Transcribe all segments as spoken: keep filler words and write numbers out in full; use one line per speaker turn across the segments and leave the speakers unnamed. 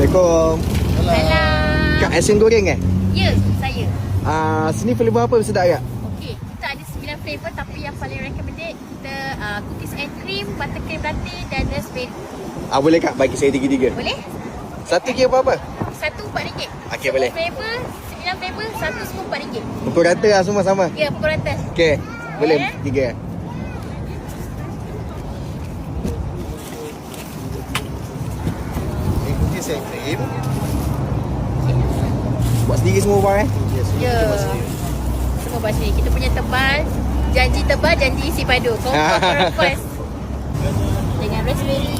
Assalamualaikum.
Salam.
Kak Aisin goreng eh?
Ya, saya.
Ah, sini flavor apa sedap agak?
Okey, kita ada sembilan flavor tapi yang paling recommended kita uh, cookies and cream, buttercream latte dan raspberry.
Ah, boleh Kak bagi saya tiga-tiga?
Boleh?
Satu kira berapa?
Satu empat ringgit.
Okey,
Semua
boleh.
flavor, sembilan flavor, satu semua empat ringgit.
Pukul rata lah semua sama?
Ya, pukul rata.
Okey, boleh
Boleh.
tiga.
Ini cookies and cream.
Buat sendiri semua bang eh?
Yes,
Ya.
kita buat sendiri.
Semua bahasa ni. Kita punya tebal, janji tebal, janji isi padu. Confirm request. Dengan raspberry.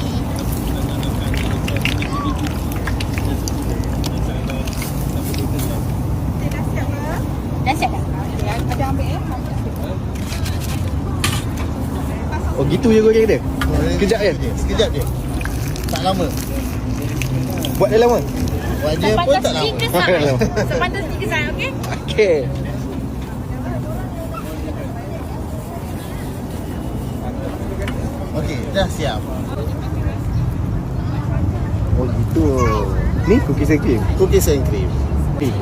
Dah siap dah? Ada ambil ya?
Oh gitu je goreng dia? Sekejap je?
Sekejap je. Tak lama.
Buat dah lama?
Buat dia pun tak lama.
tiga saat. Sepantas tiga saat, okey?
Okey.
Okey, dah siap.
Oh gitu. Ni cookies and cream?
Cookies and cream.
Ni.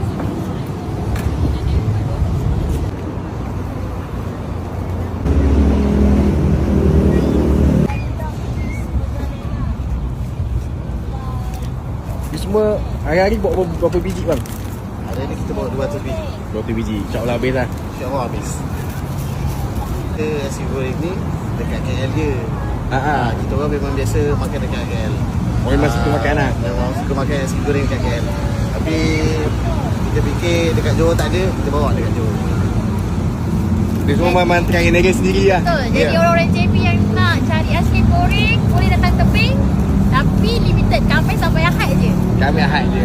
Ni semua hari-hari buat berapa, berapa biji bang?
Hari ni kita bawa dua ratus biji.
dua ratus biji. InsyaAllah habis lah.
InsyaAllah habis. Kita nasi goreng ni dekat K L je.
Ha ah.
Ha, kita orang memang biasa makan dekat K L.
Oh, memang suka makan lah.
Memang suka makan nasi goreng dekat K L. Tapi kita fikir dekat Johor tak ada, kita bawa dekat Johor.
Dia semua memang try negara sendiri lah.
Betul. Jadi
Ya.
orang-orang J B yang nak cari aiskrim goreng boleh datang tebing, tapi limited sampai sampai Ahad je.
Kami Ahad je.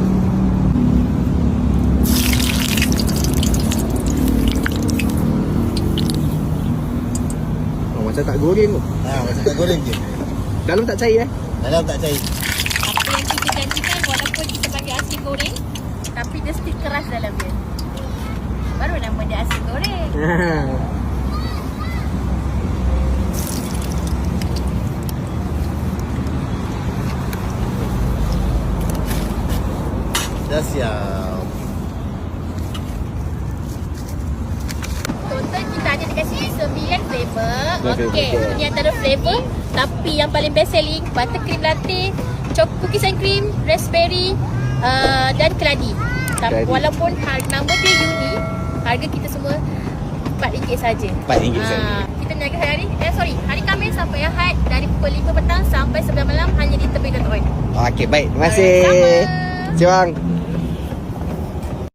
Oh, macam tak goreng tu.
Ha, macam tak goreng je.
Dalam tak cair eh?
Dalam tak cair.
Apa yang kita janjikan walaupun kita bagi aiskrim goreng, tapi dia still keras dalam dia. Baru nama dia aiskrim goreng.
Dah siap.
Total kita ada dekat sini sembilan flavor.
Okey,
Okey,
betul.
ini antara flavor. Tapi yang paling best selling, buttercream latte, choc cookies and cream, raspberry uh, dan keladi. Tapi
Keladi.
walaupun harga nama dia unik, harga kita semua empat ringgit saja.
empat ringgit saja.
Kita niaga hari, eh sorry, hari Khamis sampai Ahad dari pukul lima petang sampai sembilan malam hanya di tebing Dato' Wan.
Okey, baik. Terima kasih.
Sama.
Terima kasih bang.